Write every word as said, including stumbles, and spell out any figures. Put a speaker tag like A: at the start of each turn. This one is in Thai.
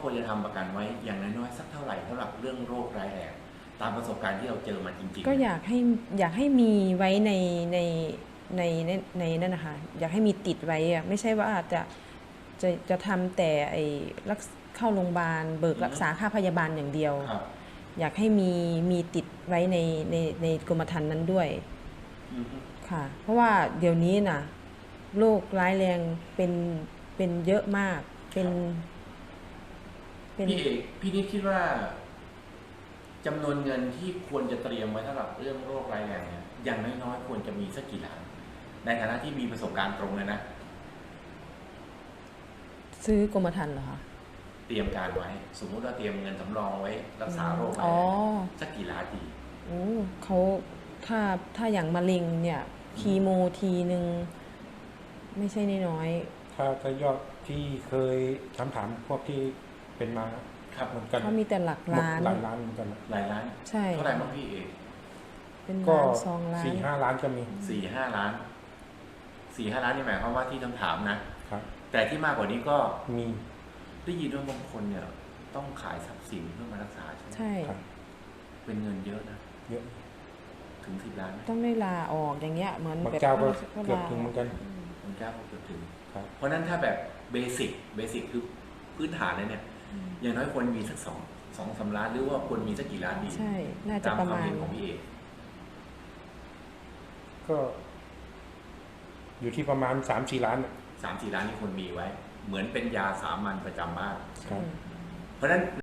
A: ควรจะทำประกันไว้อย่างน้อยๆสักเท่าไหร่สำหรับเรื่องโรคร้ายแรงตามประสบการณ์ที่เราเจอมาจริงๆ
B: ก็อยากให้อยากให้มีไว้ในในในในในนั่นนะคะอยากให้มีติดไว้อะไม่ใช่ว่าจะจะจะทำแต่ไอ้รักษเข้าโรงพยาบาลเบิกรักษาค่าพยาบาลอย่างเดียว
A: ครับ
B: อยากให้มีมีติดไว้ในในในกรมธรรม์นั้นด้วย
A: อือฮึ
B: ค่ะ เพราะว่าเดี๋ยวนี้น่ะโรคร้ายแรงเป็นเป็นเยอะมากเป็นเป็น
A: พี่เอกพี่นิดคิดว่าจำนวนเงินที่ควรจะเตรียมไว้สำหรับเรื่องโรคร้ายแรงเนี่ยอย่างน้อยๆควรจะมีสักกี่ล้านในฐานะที่มีประสบการณ์ตรงเลยนะ
B: ซื้อกรมธรรม์เหรอคะ
A: เตรียมการไว้ สมมุติว่าเตรียมเงินสำรองไว้รักษาโรคร้าย
B: อ๋อ
A: แรงสักกี่ล้านดี
B: โอ้เขาถ้าถ้าอย่างมะเร็งเนี่ยคีโมทีหนึ่งไม่ใช่น้อย
C: ถ้าถ้ายอดที่เคยถามถามพวกที่เป็นมา
A: ครับ
C: เหมือน
B: ๆ
C: กัน
B: เขามีแต่หลัก
C: หมด
B: ล้าน
C: หลายล้านเหมือนกันนะ
A: หลายล้าน
B: ใช่
A: เท่าไหร่บ้างพี่เอก
B: เป็น
C: ก็
B: ล้านสองล้าน
C: สี่ห้าล้านก็มี
A: สี่ห้าล้านสี่ห้าล้านนี่หมายความว่าที่คำถามนะ
C: ครับ
A: แต่ที่มากกว่านี้ก็
C: มี
A: ได้ยินว่าบางคนเนี่ย ต้องขายทรัพย์สินเพื่อมารักษาใช่ไหม
B: ใช่
C: ครับ
A: เป็นเงินเยอะนะ
C: เยอะ
A: ถึงสิบล้านไหม
B: ต้องได้ลาออกอย่างเงี้ยเหมือน
C: บาง
B: แบบ
C: เจ้าก็
B: ก็
C: เกือบ
B: ลา
C: ถึงเหมือนกัน
A: ผมกล้าพูดเกือบถึง
C: ครับ
A: เพราะฉะนั้นถ้าแบบเบสิกเบสิกคือพื้นฐานเลยเนี่ย อย่างน้อยควรมีสักสองสองสามล้านหรือว่าควรมีสักกี่ล้านดี
B: ใช่ น่าจะ
A: ตาม
B: ประ
A: ความ
B: มาณ
A: เห็นของพี่เอก
C: ก็อยู่ที่ประมาณสามสี่ล้านน่ะ
A: สามสี่ล้านนี่ควรมีไว้ เหมือนเป็นยาสามัญประจำบ้าน
C: ครับ
A: เพราะฉะนั้น